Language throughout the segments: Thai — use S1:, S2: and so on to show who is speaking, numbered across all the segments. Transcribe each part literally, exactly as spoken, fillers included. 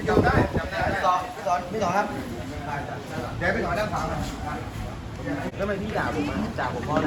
S1: พี่จำได้จำได้พี่สอนพี่สอนพี่สอนครับเดี๋ยวพี่สอนนั่งฟังนะแล้วทำไมพี่ด่าผมอ่ะด่าผมเพราะอะไร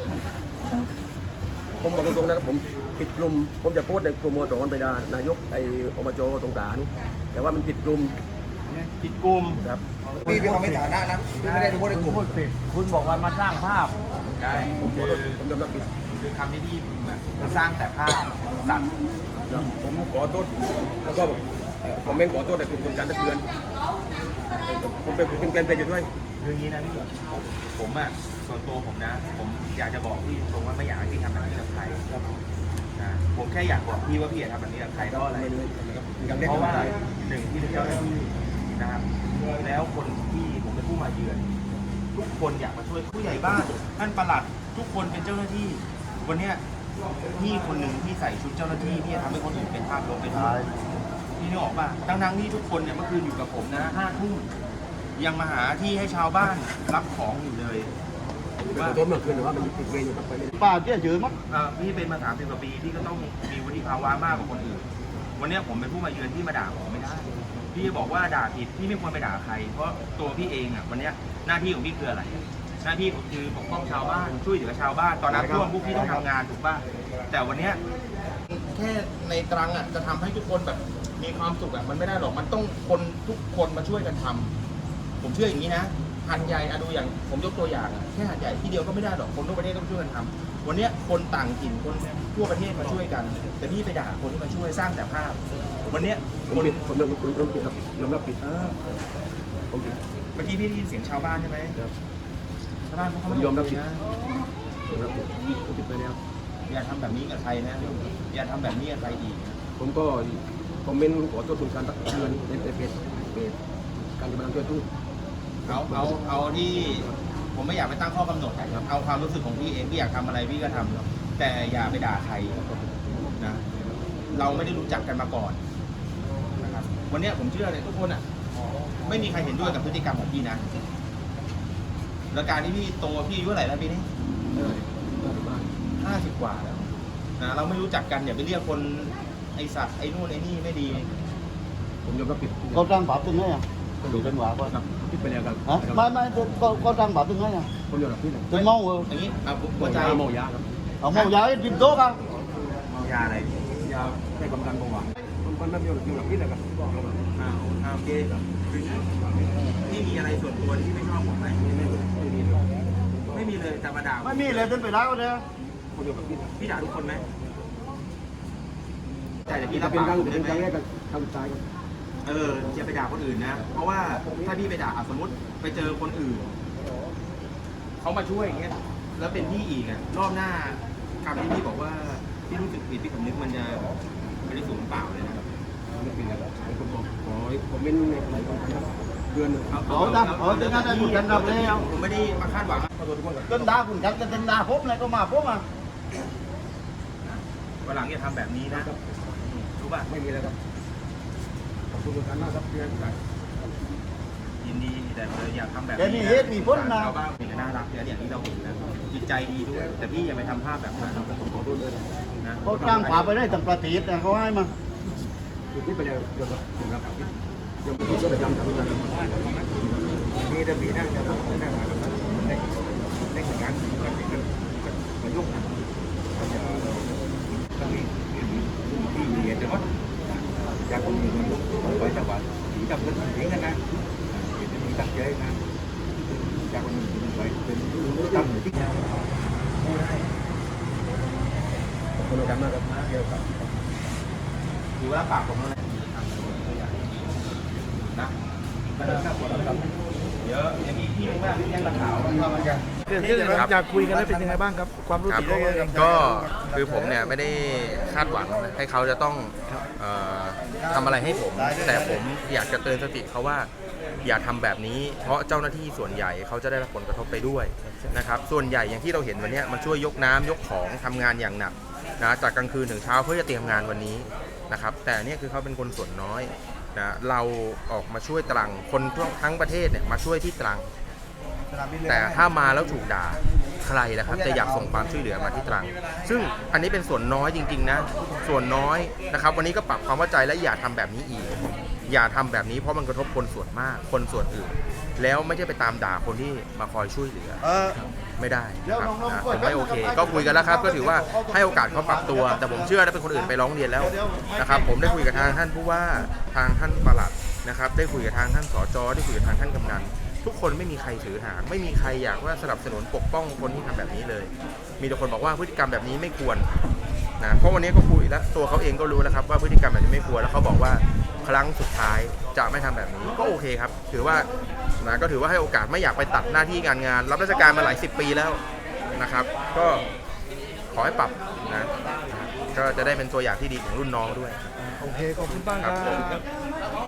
S1: ผมบอกตรงๆนะครับผมปิดกลุ่มผมจะโพสต์ในกลุ่มมอตอนไปด่านายกไอ้อบจตรงกลางแต่ว่ามันปิดกลุ่มปิดกลุ่มครับพี่เป็นคนไม่ฐานะนะพี่ไม่ได้ดูโพสต์ในกลุ่มคุณบอกว่ามาสร้างภาพใช่ผมผมยอมรับผิดคือคำที่พี่มันสร้างแต่ภาพสั่งผมขอโทษแล้วก็ผมไม่ขอโทษแต่คุณคนการตะเตือนผมเป็นเป็นเป็นเป็นอยู่ด้วยคืออย่างนี้นะพี่ผมอ่ะส่วนตัวผมนะผมอยากจะบอกพี่ตรงว่าไม่อยากให้พี่ทำแบบนี้กับใครนะผมแค่อยากบอกพี่ว่าพี่อย่าทำแบบนี้กับใครเพราะอะไรเพราะว่าหนึ่งที่เป็นเจ้าหน้าที่นะครับแล้วคนที่ผมเป็นผู้มาเยือนทุกคนอยากมาช่วยผู้ใหญ่บ้านท่านปลัดทุกคนเป็นเจ้าหน้าที่วันเนี้ยพี่คนหนึ่งที่ใส่ชุดเจ้าหน้าที่ที่จะทำให้คนอื่นเป็นภาพลบเป็นพี่นึกออกป่ะทั้งๆที่ทุกคนเนี่ยเมื่อคืนอยู่กับผมนะห้าทุ่มยังมาหาที่ให้ชาวบ้านรับของอยู่เลยว่าตัวเมื่อคืนหรือว่ามันติดเวรอยู่กับไปป้าเจ๊เฉยมั้งพี่เป็นมาสามสิบกว่าปีพี่ก็ต้องมีวุฒิภาวะมากกว่าคนอื่นวันนี้ผมเป็นผู้มาเยือนที่มาด่าผมไม่ได้พี่บอกว่าด่าผิดพี่ไม่ควรไปด่าใครเพราะตัวพี่เองอ่ะวันนี้หน้าที่ของพี่คืออะไรหน้าที่ผมคือปกป้องชาวบ้านช่วยเหลือชาวบ้านตอนนั้นช่วงพวกพี่ต้องทำงานถูกป่ะแต่วันนี้แค่ในตรังอ่ะจะทำให้ทุกคนแบบมีความสุขอ่ะมันไม่ได้หรอกมันต้องคนทุกคนมาช่วยกันทำผมเชื่ออย่างนี้นะหัดใหญ่อะดูอย่างผมยกตัวอย่างแค่หัดใหญ่ที่เดียวก็ไม่ได้หรอกคนทั่วประเทศต้องช่วยกันทำวันนี้คนต่างถิ่นคนทั่วประเทศมาช่วยกันแต่พี่ไปด่าคนที่มาช่วยสร้างแต่ภาพวันนี้คนผมยอมรับผิดครับยอมรับผิดผมผิดเมื่อกี้พี่ได้ยินเสียงชาวบ้านใช่ไหมชาวบ้านเขาไม่ยอมรับผิดนะยอมรับผิดผมผิดไปแล้วอย่าทำแบบนี้กับใครนะอย่าทำแบบนี้กับใครอีกผมก็คอมเมนต์ขอโทษคุณการตักเตือนในเพจเพจการจะมาช่วยทุกเอาเอาเอาที่ผมไม่อยากไปตั้งข้อกำหนดครับเอาความรู้สึกของพี่เองพี่อยากทำอะไรพี่ก็ทำแต่อย่าไปด่าใครนะเราไม่ได้รู้จักกันมาก่อนนะครับวันนี้ผมเชื่อเลยทุกคนอ่ะไม่มีใครเห็นด้วยกับพฤติกรรมของพี่นะแล้วการที่พี่โตพี่อายุเท่าไหร่แล้วปีนี้ห้าสิบกว่าแล้วนะเราไม่รู้จักกันอย่าไปเรียกคนไอสัตว์ไอ้นู่นไอ้นี่ไม่ดีผมยอมรับผิดเขาจ้างบาปตึงไงอ่ะดูเป็นหวาก็ผิดไปแล้วครับไม่ไม่ก็ก็จ้างบาปตึงไงอ่ะผมยอมรับผิดตึงเมาเอออย่างนี้อ่ะหัวใจเมายาครับเอาเมายาให้ดิบโต๊ะครับเมายาอะไรยาให้กำลังเบาหวานมันไม่ยอมรับผิดเลยครับอ่าโอเคที่มีอะไรส่วนตัวที่ไม่ชอบผมไหมไม่มีเลยแต่มาด่าไม่มีเลยจนไปด่าก็เลยพี่ด่าทุกคนไหมแต่พี่รับปากผมได้ไหมทำใจเอออย่าไปด่าคนอื่นนะเพราะว่าถ้าพี่ไปด่าสมมติไปเจอคนอื่นเขามาช่วยอย่างเงี้ยแล้วเป็นพี่อีกอ่ะรอบหน้าคำที่พี่บอกว่าพี่รู้สึกผิดพี่สำนึกมันจะไม่ได้สูญเปล่าเลยนะครับไม่เป็นไรผมบอกขอผมเป็นอะไรก่อนครับเดือนเอาเอาเอาจะน่าจะหยุดกันดับแล้วผมไม่ได้มาคาดหวังจนด่าคุณกันจนด่าผมเลยก็มาผมอ่ะวันหลังอย่าทำแบบนี้นะรู้ป่ะไม่มีแล้วครับขอบคุณทุกท่านมากครับที่ให้ผมยินดีแต่อย่าทำแบบนี้มีเหตุมีผลนะชาวบ้านเป็นน่ารักอย่างที่เราเห็นนะจิตใจดีด้วยแต่พี่อย่าไปทำภาพแบบนั้นผมขอโทษด้วยนะเขาจ้างขวาไปได้ตั้งประเทศนะเขาให้มาจุดนี้ไปเลยเดี๋ยวเดี๋ยวครับเดี๋ยวพี่ก็ไปจำทำงานมีแต่ปีนั่งจะทำนั่งมาแบบนั้นในในงานกันกันกันยุ่งนะก็มีที่มีเดี๋ยวจากคนอื่นมันต้องไปจังหวัดสีดำเงินสีกันนะเดี๋ยวมีตั้งใจนะจากคนอื่นมันไปเป็นตั้งที่ขอบคุณอาจารย์มากครับเกี่ยวกับถือว่าปากผมแล้วนะนะไม่ได้ทราบผลครับเยอะอย่างนี้พี่มากพี่ยังกระถาวว่ามันจะ
S2: อยากคุยกันแล้วเป็นยังไงบ้างครับความรู้สึก
S3: ก็คือผมเนี่ยไม่ได้คาดหวังให้เขาจะต้องทำอะไรให้ผมแต่ผมอยากจะเตือนสติเขาว่าอย่าทำแบบนี้เพราะเจ้าหน้าที่ส่วนใหญ่เขาจะได้รับผลกระทบไปด้วยนะครับส่วนใหญ่อย่างที่เราเห็นวันนี้มันช่วยยกน้ำยกของทำงานอย่างหนักนะจากกลางคืนถึงเช้าเพื่อจะเตรียมงานวันนี้นะครับแต่นี่คือเขาเป็นคนส่วนน้อยนะเราออกมาช่วยตรังคนทั้งประเทศเนี่ยมาช่วยที่ตรังแต่ถ้ามาแล้วถูกด่าใครนะครับจะอยากส่งความช่วยเหลือมาที่ตรังซึ่งอันนี้เป็นส่วนน้อยจริงๆนะส่วนน้อยนะครับวันนี้ก็ปรับความเข้าใจและอย่าทำแบบนี้อีกอย่าทำแบบนี้เพราะมันกระทบคนส่วนมากคนส่วนอื่น แล้วไม่ใช่ไปตามด่าคนที่มาคอยช่วยเหลือไม่ได้นะครับนะผมไม่โอเค ก็คุยกันแล้วครับก็ถือว่าให้โอกาสเขาปรับตัว แต่ผมเชื่อถ้าเป็นคนอื่นไปร้องเรียนแล้วนะครับผมได้คุยกับทางท่านผู้ว่าทางท่านปลัดนะครับได้คุยกับทางท่านสจได้คุยกับทางท่านกำนันทุกคนไม่มีใครถือหางไม่มีใครอยากว่าสนับสนุนปกป้องคนที่ทำแบบนี้เลย มีแต่คนบอกว่าพฤติกรรมแบบนี้ไม่ควรนะเพราะวันนี้ก็คุยแล้วตัวเขาเองก็รู้แล้วครับว่าพฤติกรรมแบบนี้ไม่ควรแล้วเขาบอกว่าครั้งสุดท้ายจะไม่ทำแบบนี้ก็โอเคครับถือว่านะก็ถือว่าให้โอกาสไม่อยากไปตัดหน้าที่การงาน รับราชการมาหลายสิบปีแล้วนะครับ ก็ขอให้ปรับนะก็จะได้เป็นตัวอย่างที่ดีของรุ่นน้องด้วย
S2: โอเคขอบคุณบ้างครับ